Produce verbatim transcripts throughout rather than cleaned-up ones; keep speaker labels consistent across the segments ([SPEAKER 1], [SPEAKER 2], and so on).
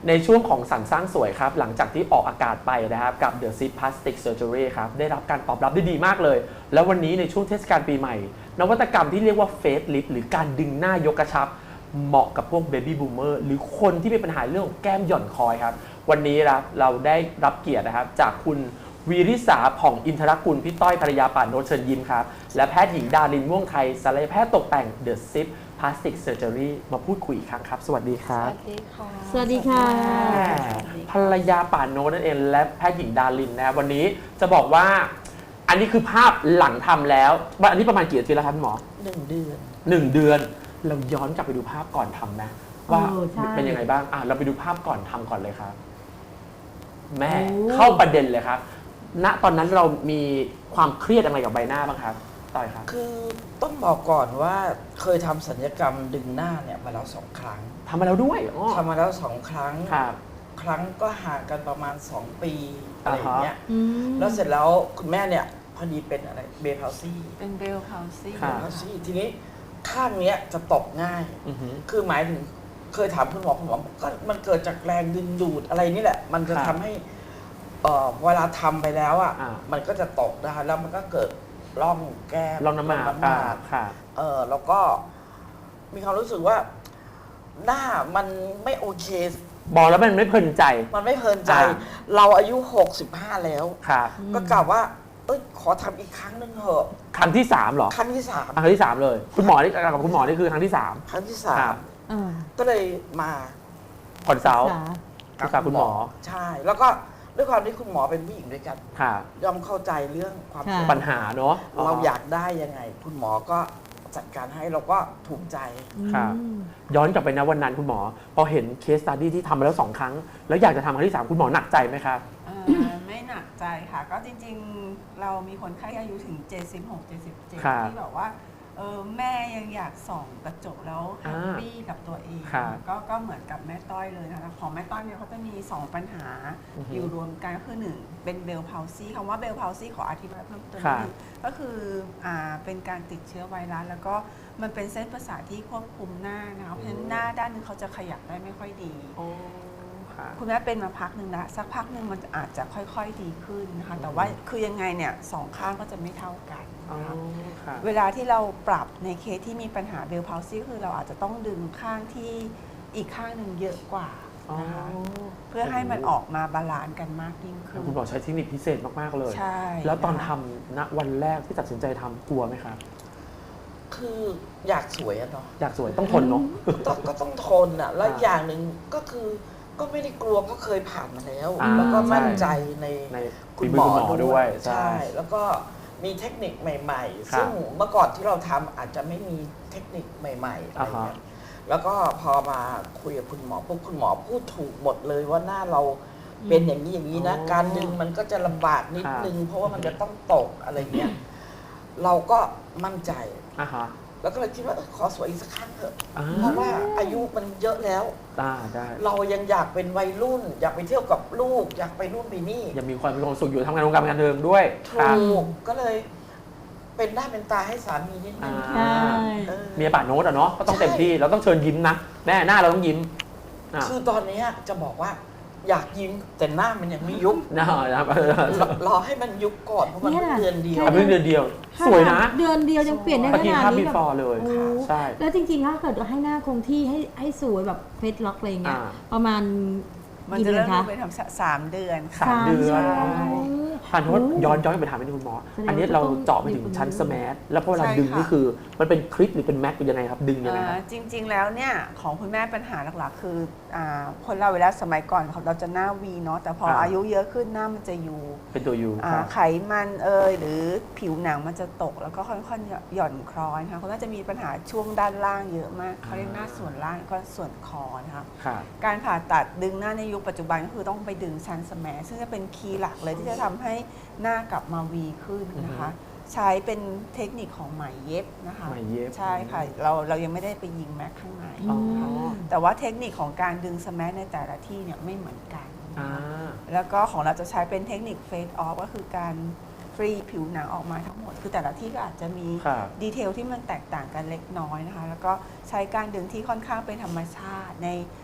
[SPEAKER 1] ในช่วงของสรรสร้างสวยครับหลังจากที่ออกอากาศไปนะครับกับ The Zip Plastic Surgery ครับได้รับการตอบรับได้ดีมากเลยแล้ววันนี้ในช่วงเทศกาลปีใหม่นวัตกรรมที่เรียกว่า Face Lift หรือการดึงหน้ายกกระชับเหมาะกับพวก Baby Boomer หรือคนที่มีปัญหาเรื่องของแก้มหย่อนคอยครับวันนี้ครับเราได้รับเกียรตินะครับจากคุณวีริษาผ่องอินทรกุลพี่ต้อยภรรยาป่านโนชเชิญยิ้มครับและแพทย์หญิงดารินม่วงไทยศัลยแพทย์ตกแต่ง The Zip Plastic Surgery มาพูดคุยอีกครั้งครับสวัสดีครับ
[SPEAKER 2] สวัสดีค่ะ
[SPEAKER 3] สวัสดีค่ะ
[SPEAKER 1] ภรรยาป่านโนนั่นเองและแพทย์หญิงดารินนะวันนี้จะบอกว่าอันนี้คือภาพหลังทำแล้วอันนี้ประมาณกี่อาทิตย์แล้วครับหมอ
[SPEAKER 2] หนึ่งเดือน
[SPEAKER 1] หนึ่งเดือนเราย้อนกลับไปดูภาพก่อนทำนะว่า
[SPEAKER 3] เออใช่
[SPEAKER 1] เป็นยังไงบ้างอ่ะเราไปดูภาพก่อนทำก่อนเลยครับ แม่
[SPEAKER 3] โอ้
[SPEAKER 1] เข้าประเด็นเลยครับ ณตอนนั้นเรามีความเครียดอะไรกับใบหน้าบ้างครับต่อยครับ
[SPEAKER 2] คือต้องบอกก่อนว่าเคยทำศัลยกรรมดึงหน้าเนี่ยมาแล้วสองครั้ง
[SPEAKER 1] ทำมาแล้วด้วยอ๋อ
[SPEAKER 2] ทำมาแล้วสองครั้ง
[SPEAKER 1] ครับ
[SPEAKER 2] ครั้งก็ห่างกันประมาณสองปีอะไรอย่างเงี้ย
[SPEAKER 3] อืม
[SPEAKER 2] แล้วเสร็จแล้วคุณแม่เนี่ยพอดีเป็นอะไรเบลพาวซี่
[SPEAKER 4] เป็นเบลพาวซี่
[SPEAKER 1] ครั
[SPEAKER 2] เบ
[SPEAKER 1] บ
[SPEAKER 2] ลพาวซี่ทีนี้ข้างเนี้ยจะตกง่าย
[SPEAKER 1] อือหือ
[SPEAKER 2] คือหมายถึงเคยถามคุณหมอคุณหมอบอกก็มันเกิดจากแรงดึงดูดอะไรนี่แหละ มันจะ
[SPEAKER 1] ครับ
[SPEAKER 2] ทำให้เอ่อเวลาทำไปแล้วอ่ะ
[SPEAKER 1] อ่า
[SPEAKER 2] มันก็จะตกนะคะแล้วมันก็เกิดร่องแก้ม
[SPEAKER 1] ลองน้ำหมาก
[SPEAKER 2] ร่องน้ำห
[SPEAKER 1] อ่าม
[SPEAKER 2] าก
[SPEAKER 1] ค่ะ
[SPEAKER 2] เออแล้วก็มีความรู้สึกว่าหน้ามันไม่โอเค
[SPEAKER 1] บอกแล้วมันไม่เพลินใจ
[SPEAKER 2] มันไม่เพลินใจ
[SPEAKER 1] อ่า
[SPEAKER 2] เราอายุหกสิบห้าแล้ว
[SPEAKER 1] ครับ
[SPEAKER 2] ก็กล่าวว่า เอ้ยขอทำอีกครั้งหนึงเถอะ
[SPEAKER 1] ครั้งที่สามเหรอ
[SPEAKER 2] ครั้งที่สาม
[SPEAKER 1] ครั้งที่สามเลย คุณหมอนี่กับคุณหมอนี่คือครั้งที่สาม
[SPEAKER 2] ครั้งที่สา
[SPEAKER 1] ครั
[SPEAKER 2] ม
[SPEAKER 1] บ
[SPEAKER 3] อ่า
[SPEAKER 2] ก็เลยมา
[SPEAKER 1] คอนซัลท์
[SPEAKER 3] สา
[SPEAKER 1] ปรึกษาคุณหมอ
[SPEAKER 2] ใช่ แล้วก็ด้วยความที่คุณหมอเป็นผู้หญิงด้วยกัน
[SPEAKER 1] ค่ะ
[SPEAKER 2] ย่อมเข้าใจเรื่องความ
[SPEAKER 3] ค่ะ
[SPEAKER 2] สวย
[SPEAKER 1] ปัญหาเนาะ
[SPEAKER 2] เราอยากได้ยังไง คุณหมอก็จัดการให้เราก็ถูกใจ
[SPEAKER 1] ครับ
[SPEAKER 3] อืม
[SPEAKER 1] ย้อนกลับไปนะวันนั้นคุณหมอ พอเห็นเคสสตัดดี้ที่ทำมาแล้วสองครั้ง แล้วอยากจะทำครั้งที่สามคุณหมอหนักใจไหมครับ
[SPEAKER 4] เอ่อไม่หนักใจค่ะ ก็จริงๆ เรามีคนไข้อายุถึง เจ็ดสิบหก เจ็ดสิบเจ็ด
[SPEAKER 1] ครับ
[SPEAKER 4] ที่แบบว่าเออแม่ยังอยากส่องกระจกแล้วแฮปปี้กับตัวเอง
[SPEAKER 1] ครับ
[SPEAKER 4] ก็ก็เหมือนกับแม่ต้อยเลยนะคะของแม่ต้อยเนี่ยเขาจะมี สอง ปัญหา
[SPEAKER 1] อือฮึ
[SPEAKER 4] อยู่รวมกันก็คือหนึ่งเป็นเบลพาวซี่คำว่าเบลพาวซี่ขออธิบายเพิ่มเติม
[SPEAKER 1] ครับ
[SPEAKER 4] นิดนึงก็คืออ่าเป็นการติดเชื้อไวรัสแล้วก็มันเป็นเส้นประสาทที่ควบคุมหน้านะคะเพราะฉะนั้นหน้าด้านหนึงเขาจะขยับได้ไม่ค่อยดี
[SPEAKER 1] โอ้ค่ะ
[SPEAKER 4] คุณแม่เป็นมาพักหนึ่งแล้วสักพักหนึ่งมันอาจจะค่อยๆดีขึ้นนะคะแต่ว่าคือยังไงเนี่ยสองข้างก็จะไม่เท่ากัน
[SPEAKER 1] อ๋อ
[SPEAKER 4] นะคะ
[SPEAKER 1] ค่ะ
[SPEAKER 4] เวลาที่เราปรับในเคสที่มีปัญหาเบลพาวซี่คือเราอาจจะต้องดึงข้างที่อีกข้างหนึ่งเยอะกว่า
[SPEAKER 1] อ๋อ
[SPEAKER 4] นะคะเพื่อให้มันออกมาบาลานซ์กันมากยิ่งขึ้น
[SPEAKER 1] คุณหมอใช้เทคนิคพิเศษมากๆเลย
[SPEAKER 4] ใช่
[SPEAKER 1] แล้วตอน
[SPEAKER 4] นะคะ
[SPEAKER 1] ทำณวันแรกที่ตัดสินใจทำกลัวไหมครับ
[SPEAKER 2] คืออยากสวยอะเนาะ
[SPEAKER 1] อยากสวยต้องทนเนาะ
[SPEAKER 2] ต้องก็ต้องทนอ่ะ แล้ว
[SPEAKER 1] อ่า
[SPEAKER 2] อย่างหนึ่งก็คือก็ไม่ได้กลัวก็เคยผ่านมาแล้ว
[SPEAKER 1] อ่า
[SPEAKER 2] แล้วก็มั่น
[SPEAKER 1] ใช่
[SPEAKER 2] ใจใน
[SPEAKER 1] ใน
[SPEAKER 2] คุณ
[SPEAKER 1] ฝี
[SPEAKER 2] ห
[SPEAKER 1] มื
[SPEAKER 2] ม
[SPEAKER 1] อ
[SPEAKER 2] อ
[SPEAKER 1] คุณหมอด้วย
[SPEAKER 2] ใช่ แล้วก็มีเทคนิคใหม่ ๆ
[SPEAKER 1] ครับ
[SPEAKER 2] ซึ่งเมื่อก่อนที่เราทำอาจจะไม่มีเทคนิคใหม่ๆอะไรเงี้ยแล้วก็พอมาคุยกับคุณหมอปุ๊บคุณหมอพูดถูกหมดเลยว่าหน้าเราเป็นอย่างนี้อย่างนี้นะ
[SPEAKER 1] อ๋อ
[SPEAKER 2] การดึงมันก็จะลำบากนิด
[SPEAKER 1] ครับ
[SPEAKER 2] นึง เพราะว่ามันจะต้องตกอะไรเงี้ยเราก็มั่นใจ
[SPEAKER 1] อ่ะฮะ
[SPEAKER 2] แล้วก็เลยคิดว่าเออขอสวยอีกสักครั้งเถอะ
[SPEAKER 1] อ่า
[SPEAKER 2] เพราะว่าอายุมันเยอะแล้ว
[SPEAKER 1] ได้ได้
[SPEAKER 2] เรายังอยากเป็นวัยรุ่น อยากไปเที่ยวกับลูก อยากไปนู่นไปนี่
[SPEAKER 1] ยังมีความมีความสุขอยู่ทำงานวงการบันเทิงด้วย
[SPEAKER 2] ถู
[SPEAKER 1] ครับ
[SPEAKER 2] กก็เลย เป็นหน้าเป็นตาให้สามีนิดนึง
[SPEAKER 1] อ่า
[SPEAKER 3] ใช่
[SPEAKER 2] เออ
[SPEAKER 1] เมียป่าโน้ตอะเนาะก็ต้องเต็มที่เราต้องเชิญยิ้มนะแม่หน้าเราต้องยิ้มอ่ะ
[SPEAKER 2] คือตอนเนี้ยจะบอกว่า อยากยิ้มแต่หน้ามันยังไม่ยุบ
[SPEAKER 1] นะครับ
[SPEAKER 2] รอรอให้มันยุบก่อนเพราะมัน
[SPEAKER 3] เนี่ย
[SPEAKER 2] เพิ่งเดือนเดียว
[SPEAKER 1] ทำเพิ่งเดือนเดียว สวยนะ
[SPEAKER 3] เดือนเดียวยังเปลี่ยนได้
[SPEAKER 1] ป
[SPEAKER 3] ข
[SPEAKER 1] ฏิ
[SPEAKER 3] นาด
[SPEAKER 1] ภาพ
[SPEAKER 3] นี้
[SPEAKER 1] before เลย
[SPEAKER 3] โอ้
[SPEAKER 1] ใช่
[SPEAKER 3] แล้วจริงๆถ้าเกิดให้หน้าคงที่ให้ให้สวยแบบเฟซล็อกอะไรอย่างเงี้ย
[SPEAKER 1] อ่า
[SPEAKER 3] ประมาณ
[SPEAKER 4] มัน
[SPEAKER 3] กี่
[SPEAKER 4] จะ
[SPEAKER 3] เดือ
[SPEAKER 4] เริ่
[SPEAKER 3] น
[SPEAKER 4] ม
[SPEAKER 3] คะ
[SPEAKER 4] เป็นทำสามเดือนค่ะ
[SPEAKER 1] สามเดือน
[SPEAKER 3] ใช่
[SPEAKER 1] ผ่านโทษย้อนย้อนกลับไปถามนิดนึงคุณหมอ
[SPEAKER 3] แสดงว่า
[SPEAKER 1] อันนี้เรา
[SPEAKER 3] ต้อง
[SPEAKER 1] เจาะไปถึงชั้น
[SPEAKER 3] อยู่
[SPEAKER 1] ส
[SPEAKER 3] ตรงนี้
[SPEAKER 1] แมาร์ทแล้วพอเวลา
[SPEAKER 4] ใช่
[SPEAKER 1] ดึง
[SPEAKER 4] ค่ะ
[SPEAKER 1] นี่คือมันเป็นคลิปหรือเป็นแม็กเป็นยังไงครับ ดึงยังไงครับ
[SPEAKER 4] อ่าจริง ๆ แล้วเนี่ยของคุณแม่ปัญหาหลักๆ คืออาคนเราเวลาสมัยก่อนเราจะหน้าวีเนาะแต่พอ
[SPEAKER 1] อ่า
[SPEAKER 4] อายุเยอะขึ้นหน้ามันจะอยู่
[SPEAKER 1] เป็นตัวยู
[SPEAKER 4] อ่า
[SPEAKER 1] ครับ
[SPEAKER 4] ไขมันเอยหรือผิวหนังมันจะตกแล้วก็ค่อนๆหย่อนคล้อยนะคะคุณแม่จะมีปัญหาช่วงด้านล่างเยอะมากเขาเรียกหน้าส่วนล่างก็ส่วนคอนะคะ
[SPEAKER 1] ครับ
[SPEAKER 4] การผ่าตัดดึงหน้าในยุคปัจจุบันก็คือต้องไปดึงชั้นสแมซึ่งจะเป็นคีย์หลักเลยที่จะทำให้หน้ากลับมาวีขึ้นนะคะ ใช้เป็นเทคนิคของไหมเย็บนะคะ
[SPEAKER 1] ไหมเย็บ
[SPEAKER 4] ใช่ค่ะเราเรายังไม่ได้ไปยิงแม็กข้างใน
[SPEAKER 1] อ๋อ
[SPEAKER 4] แต่ว่าเทคนิคของการดึงสแมในแต่ละที่เนี่ยไม่เหมือนกัน
[SPEAKER 1] อ่า
[SPEAKER 4] แล้วก็ของเราจะใช้เป็นเทคนิคเฟสออฟก็คือการฟรีผิวหนังออกมาทั้งหมด คือแต่ละที่ก็อาจจะมี
[SPEAKER 1] ครับ
[SPEAKER 4] ดีเทลที่มันแตกต่างกันเล็กน้อยนะคะ แล้วก็ใช้การดึงที่ค่อนข้างเป็นธรรมชาติใน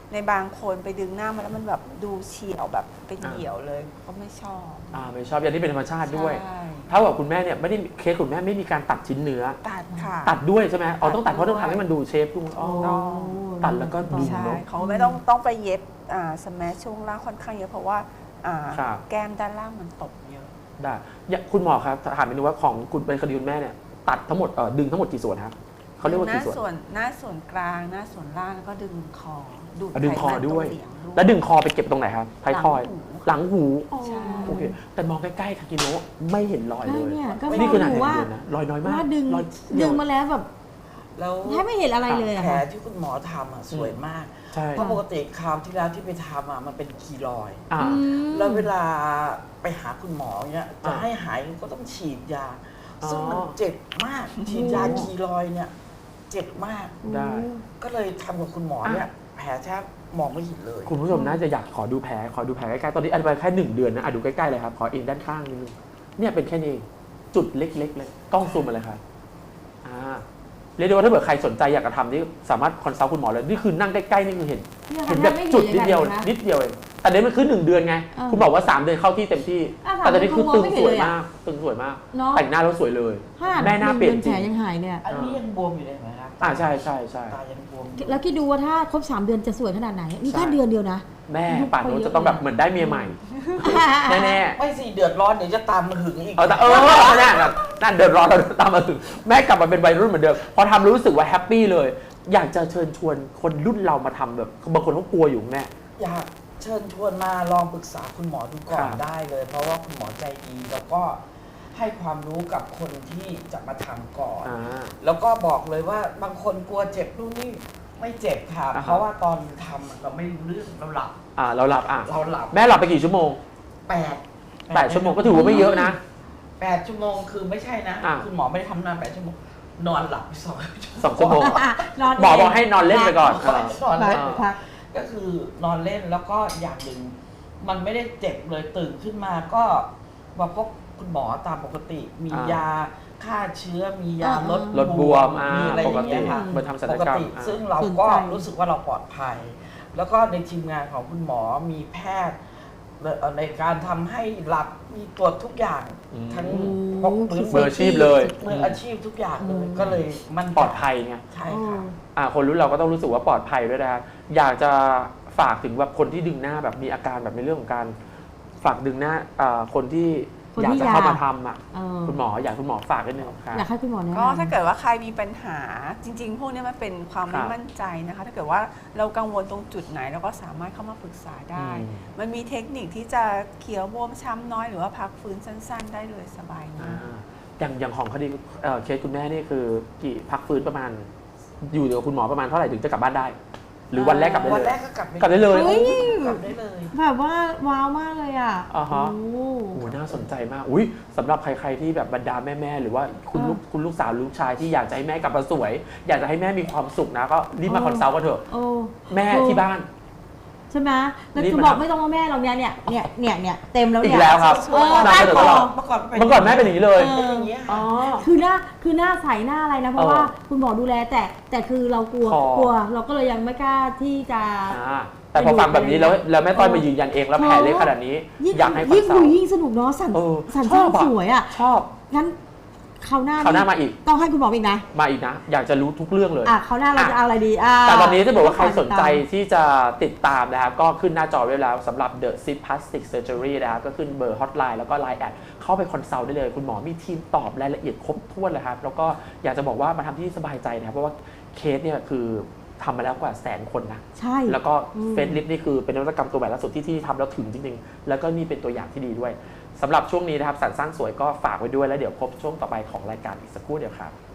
[SPEAKER 4] ในบางคนไปดึงหน้ามาแล้วมันแบบดูเฉียวแบบเป็นเหี่ยวเลยเขาไม่ชอบ
[SPEAKER 1] อ่าไม่ชอบอย่างที่เป็นธรรมชาติด้วย
[SPEAKER 4] ใช่
[SPEAKER 1] เท่ากับคุณแม่เนี่ยไม่ได้เคสคุณแม่ไม่มีการตัดชิ้นเนื้อ
[SPEAKER 4] ตัดค่ะ
[SPEAKER 1] ตัดด้วยใช่ไหมอ๋อต้องตัด
[SPEAKER 4] ตัด
[SPEAKER 1] เพราะต้อง
[SPEAKER 4] ด้วย
[SPEAKER 1] ทำให้มันดูเชฟดูอ๋อ
[SPEAKER 4] ต้อง
[SPEAKER 1] ตัดแล้วก็ดึง
[SPEAKER 4] ใช่
[SPEAKER 1] เนาะ
[SPEAKER 4] เขาไม่ต้องต้องไปเย็บอ่าสแมชช่วงล่างค่อนข้างเยอะเพราะว่าอ่า
[SPEAKER 1] ครับ
[SPEAKER 4] แก้มด้านล่างมันตกเยอะ
[SPEAKER 1] ได้อย่าคุณหมอครับถามนิดนึงว่าของคุณเป็นคดีคุณแม่เนี่ยตัดทั้งหมดเอ่อดึงทั้งหมดกี่ส่วนครับเขาเรียกว่า
[SPEAKER 4] หน้า
[SPEAKER 1] กี่ส่วน
[SPEAKER 4] ส่วนหน้าส่วนกลางหน้าส่วนล่างแล้วก็ดึงคอดูด
[SPEAKER 1] อ่ะดึงคอ
[SPEAKER 4] ไขมัน
[SPEAKER 1] ด้วย
[SPEAKER 4] ตรงเหลียงด้วย
[SPEAKER 1] แล้วดึงคอไปเก็บตรงไหนครับท้ายทอย หลังหู
[SPEAKER 4] ใช่
[SPEAKER 1] โอเคแต่มองใกล้ๆทากิโนะไม่เห็นรอยเล
[SPEAKER 3] ใช่
[SPEAKER 1] ย
[SPEAKER 3] เนี่ยก็
[SPEAKER 1] นี่คือหนา
[SPEAKER 3] บ
[SPEAKER 1] แด
[SPEAKER 3] อกว่า
[SPEAKER 1] เดียวนะรอยน้อยมาก
[SPEAKER 3] ว่าดึง
[SPEAKER 1] รอย
[SPEAKER 3] ดึ
[SPEAKER 1] เดียว
[SPEAKER 3] งมาแล้วแบบ
[SPEAKER 2] แล้ว
[SPEAKER 3] แทบไม่เห็นอะไรเลยอะ
[SPEAKER 2] แผล
[SPEAKER 3] ค่ะ
[SPEAKER 2] ที่คุณหมอทำอะสวยมาก
[SPEAKER 1] ใช่
[SPEAKER 2] เพราะปกติคราวที่แล้วที่ไปทำอะมันเป็นคีรอยด์
[SPEAKER 1] อ่า
[SPEAKER 3] อืม
[SPEAKER 2] แล้วเวลาไปหาคุณหมอเนี่ยจะ
[SPEAKER 1] อ่า
[SPEAKER 2] ให้หายก็ต้องฉีดยา
[SPEAKER 1] อ๋อ
[SPEAKER 2] ซึ่งมันเจ็บมาก ฉีดยาคีรอยด์เนี่ยเจ็บมาก
[SPEAKER 1] ได้
[SPEAKER 2] ก็เลยทำกับคุณหมอเนี่ยแผลแทบมองไม่เห็นเลย
[SPEAKER 1] คุณผู้ชมน่าจะอยากขอดูแผลขอดูแผลใกล้ๆตอนนี้อันไปแค่หนึ่งเดือนนะอ่ะดูใกล้ๆเลยครับขอเองด้านข้างนิดนึงเนี่ยเป็นแค่นี้เองจุดเล็กๆเลยกล้องซูมมาเลยครับอ่าเรียกได้ว่าถ้าเกิดใครสนใจอยากจะทำนี่สามารถคอนซัลท์คุณหมอเลยนี่คือนั่งใกล้ๆนี่คือเห็น
[SPEAKER 3] เนี่ย
[SPEAKER 1] เห็น
[SPEAKER 3] ค่ะ
[SPEAKER 1] แบบ
[SPEAKER 3] ไม่
[SPEAKER 1] จุดนิด
[SPEAKER 3] อา
[SPEAKER 1] เดียว
[SPEAKER 3] นะ
[SPEAKER 1] นิดเดียวเองแต่เดี๋ยวมันคือหนึ่งเดือนไง
[SPEAKER 3] เออ
[SPEAKER 1] คุณบอกว่าสามเดือนเข้าที่เต็มที่
[SPEAKER 3] อ่ะ
[SPEAKER 1] แต่ตอนนี้คือ
[SPEAKER 3] สาม
[SPEAKER 1] ตึ
[SPEAKER 3] เดื
[SPEAKER 1] ง
[SPEAKER 3] อน
[SPEAKER 1] สวย
[SPEAKER 3] เขามองไม่เห็นเลยอะ
[SPEAKER 1] มากตึงสวยมาก
[SPEAKER 3] เนาะ
[SPEAKER 1] แต่งหน้าแล้วสวยเลย
[SPEAKER 3] ขนาด
[SPEAKER 1] แม่หน้าเปลี่ยน
[SPEAKER 3] ดือ
[SPEAKER 1] จริง
[SPEAKER 3] แผลยังหายเนี่ย
[SPEAKER 2] อันนี้ยังบวมอยู่เลยไหมครับ
[SPEAKER 1] อ่าใช่ใช่ใช่
[SPEAKER 2] ตายังบวมอยู่
[SPEAKER 3] แล้วคิดดูว่าถ้าครบสามเดือนจะสวยขนาดไหน นี่
[SPEAKER 1] ใช่
[SPEAKER 3] แค่เดือนเดียวนะ
[SPEAKER 1] แม่
[SPEAKER 3] ยุค
[SPEAKER 1] ป่านนู้น
[SPEAKER 3] เขาเยอะ
[SPEAKER 1] จะต้องแบบเหมือนได้เมียใหม่ แน่ๆ
[SPEAKER 2] ไม่สิเดือดร้อนเดี๋ยวจะตามมาหึงอีก
[SPEAKER 1] เออแต่เออแน่ๆแบบนั่นเดือดร้อนเราตามมาถึงแม่กลับมาเป็นวัยรุ่นเหมือนเดิมพอทำรู้สึกว่าแฮปปี้เลย อยากจะเชิญชวนคนรุ่นเรามาทำแบบบางคนเขากลัวอยู่แม่
[SPEAKER 2] อยากเชิญชวนมาลองปรึกษาคุณหมอดูก่อ
[SPEAKER 1] ครั
[SPEAKER 2] น
[SPEAKER 1] บ
[SPEAKER 2] ได้เลย เพราะว่าคุณหมอใจดีแล้วก็ให้ความรู้กับคนที่จะมาทำก่อน
[SPEAKER 1] อ่า
[SPEAKER 2] แล้วก็บอกเลยว่าบางคนกลัวเจ็บนู่นนี่ไม่เจ็บค่ะ
[SPEAKER 1] อ่าฮะ
[SPEAKER 2] เพราะว่าตอนทำเราไม่รู้เรื่องเราหลับ
[SPEAKER 1] อ่าเราหลับอ่ะ
[SPEAKER 2] เราหลับ
[SPEAKER 1] แม่หลับไปกี่ชั่วโมง
[SPEAKER 2] แปด
[SPEAKER 1] แปดชั่วโมงก็ถือว่าไม่เยอะนะ
[SPEAKER 2] แปดชั่วโมงคือไม่ใช่นะ
[SPEAKER 1] อ่า
[SPEAKER 2] คุณหมอไม่ได้ทำนานแปดชั่วโมงนอนหลับไปสอง
[SPEAKER 1] สองชั่วโมง
[SPEAKER 3] นอน
[SPEAKER 1] หมอบอกให้นอนเล่นไปก่อน
[SPEAKER 2] นอน
[SPEAKER 3] พัก
[SPEAKER 2] เล่น
[SPEAKER 3] พัก
[SPEAKER 2] ก็คือนอนเล่นแล้วก็อย่างหนึ่งมันไม่ได้เจ็บเลยตื่นขึ้นมาก็มาพบคุณหมอตามปกติ มี
[SPEAKER 1] อ่าย
[SPEAKER 2] ยาฆ่าเชื้อมียา
[SPEAKER 3] อ่า
[SPEAKER 2] ลด
[SPEAKER 1] ลดบวมอ่า
[SPEAKER 2] มีอะไร
[SPEAKER 1] ป
[SPEAKER 2] อก ย่าง
[SPEAKER 1] ติ
[SPEAKER 2] เงี้ยค่ะ
[SPEAKER 1] เหมือนทำศัล
[SPEAKER 2] ป
[SPEAKER 1] ย
[SPEAKER 2] ก
[SPEAKER 1] กรรม
[SPEAKER 2] ติ
[SPEAKER 1] อ่า
[SPEAKER 2] ซึ่งเรา
[SPEAKER 3] สน
[SPEAKER 2] ก็
[SPEAKER 3] ใจ
[SPEAKER 2] รู้สึกว่าเราปลอดภัย แล้วก็ในทีมงานของคุณหมอมีแพทย์ในการทำให้หลับมีตรวจทุกอย่าง
[SPEAKER 1] อืม
[SPEAKER 2] ทั้ง
[SPEAKER 3] อืม
[SPEAKER 2] พกมือ
[SPEAKER 1] มืออาชีพเลย
[SPEAKER 2] มืออาชีพทุกอย่างเลย
[SPEAKER 3] อืม
[SPEAKER 2] ก็เลยมัน
[SPEAKER 1] ปลอดภัยไง
[SPEAKER 2] ใช่ค่ะ
[SPEAKER 1] อ่าคนรุ่นเราก็ต้องรู้สึกว่าปลอดภัยด้วยนะครับอยากจะฝากถึงแบบคนที่ดึงหน้าแบบมีอาการแบบในเรื่องของการฝากดึงหน้าอ่าคนที่
[SPEAKER 3] คน
[SPEAKER 1] อยาก
[SPEAKER 3] ที่
[SPEAKER 1] จะ
[SPEAKER 3] อยาก
[SPEAKER 1] เข้ามาทำอ่ะ
[SPEAKER 3] เออ
[SPEAKER 1] คุณหมออยากคุณหมอฝากนิดนึงครับ
[SPEAKER 3] อยากให้คุณหมอแนะนำ
[SPEAKER 4] ก็ถ้าเกิดว่าใครมีปัญหาจริง ๆ พวกนี้มันเป็นความ
[SPEAKER 1] ค
[SPEAKER 4] ไม่
[SPEAKER 1] รับ
[SPEAKER 4] มั่นใจนะคะ ถ้าเกิดว่าเรากังวลตรงจุดไหนเราก็สามารถเข้ามาปรึกษาได้
[SPEAKER 1] อืม
[SPEAKER 4] มันมีเทคนิคที่จะเขียวบวมช้ำน้อยหรือว่าพักฟื้นสั้น ๆ ได้เลยสบาย
[SPEAKER 1] อ่าม
[SPEAKER 4] าก
[SPEAKER 1] อย่างอย่างของคดีเอ่อเคสคุณแม่นี่คือกี่พักฟื้นประมาณ อยู่กับคุณหมอประมาณเท่าไหร่ถึงจะกลับบ้านได้ หรือวันแรกกลับได้
[SPEAKER 2] วัน
[SPEAKER 1] เล
[SPEAKER 2] แร
[SPEAKER 1] ย
[SPEAKER 2] กก็กลับ
[SPEAKER 1] กลับได้เลย
[SPEAKER 3] เฮ้ย
[SPEAKER 2] กลับได้เลย
[SPEAKER 3] แบบว่าว้าวมากเลยอ่ะ
[SPEAKER 1] อ่าฮะ
[SPEAKER 3] โอ้
[SPEAKER 1] โอ้โหน่าสนใจมากอุ้ยสำหรับใครๆที่แบบบรรดาแม่ๆหรือว่าคุณลูกคุณลูกสาวลูกชายที่อยากจะให้แม่กลับมาสวย อยากจะให้แม่มีความสุขนะก็รีบมาคอนซัลท์กันเถอะ
[SPEAKER 3] โอ้
[SPEAKER 1] แม่ที่บ้าน
[SPEAKER 3] ใช่ไหมแล้ว
[SPEAKER 1] รีบ
[SPEAKER 3] คือ
[SPEAKER 1] มา
[SPEAKER 3] บอก
[SPEAKER 1] ทำ
[SPEAKER 3] ไม่ต้องว่าแม่เราเนี่ยเนี่ยเนี่ยเนี่ยเนี่ยเต็มแล้ว
[SPEAKER 1] อี
[SPEAKER 3] เนี่
[SPEAKER 1] ก
[SPEAKER 3] ย
[SPEAKER 1] แล้วครับ
[SPEAKER 3] เออ
[SPEAKER 1] นำเสนอตลอด
[SPEAKER 2] เมื่อก่อน
[SPEAKER 1] เมื่อก่อนแม่เป็นอย่างนี้เลย
[SPEAKER 2] เป็นอย่างเงี้ย
[SPEAKER 1] อ๋อ
[SPEAKER 3] คือหน้าคือหน้าใสหน้าอะไรนะเพราะ
[SPEAKER 1] เออ
[SPEAKER 3] ว่าคุณหมอดูแลแต่แต่คือเรากลัว
[SPEAKER 1] คอ
[SPEAKER 3] กลัว เราก็เลยยังไม่กล้าที่จะ
[SPEAKER 1] อ่าแต่พอฟังแบบนี้แล้วแล้วแม่ต้อยมายืนยันเองแล้วแผลเล็กขนาดนี้
[SPEAKER 3] ยิ่ง
[SPEAKER 1] อยากให้คอน
[SPEAKER 3] ยิ่ง
[SPEAKER 1] ซัล
[SPEAKER 3] ดู
[SPEAKER 1] ท์
[SPEAKER 3] ยิ่งสนุกเนาะสัน
[SPEAKER 1] เออ
[SPEAKER 3] สัน
[SPEAKER 1] ชอบอะ
[SPEAKER 3] สวยอ่ะ
[SPEAKER 1] ชอบ
[SPEAKER 3] งั้นคราวหน้า
[SPEAKER 1] คราวหน้ามาอีก
[SPEAKER 3] ต้องให้คุณหมออีกนะ
[SPEAKER 1] มาอีกนะ อยากจะรู้ทุกเรื่องเลย
[SPEAKER 3] อ่ะคราวหน้าเราจะเอาอะไรดีอ่า
[SPEAKER 1] แต่ตอนนี้จะบอกว่าใครสนใจ
[SPEAKER 3] ติดตาม
[SPEAKER 1] ที่จะติดตามนะครับก็ขึ้นหน้าจอไว้แล้วสำหรับ The Zip Plastic Surgery นะครับก็ขึ้นเบอร์ฮอตไลน์แล้วก็ ไลน์ แอดเข้าไปคอนซัลท์ได้เลย คุณหมอมีทีมตอบรายละเอียดครบถ้วนเลยครับ แล้วก็อยากจะบอกว่ามาทำที่สบายใจนะครับเพราะว่าเคสเนี่ยคือทำมาแล้วกว่าแสนคนนะ
[SPEAKER 3] ใช่
[SPEAKER 1] แล้วก็
[SPEAKER 3] อืม
[SPEAKER 1] เฟซลิฟนี่คือเป็นนวัตกรรมตัวใหม่ล่าสุดที่ที่ทำแล้วถึงจริงๆ แล้วก็นี่เป็นตัวอย่างที่ดีด้วยสำหรับช่วงนี้นะครับสรรสร้างสวยก็ฝากไว้ด้วยแล้วเดี๋ยวพบช่วงต่อไปของรายการอีกสักครู่เดียวครับ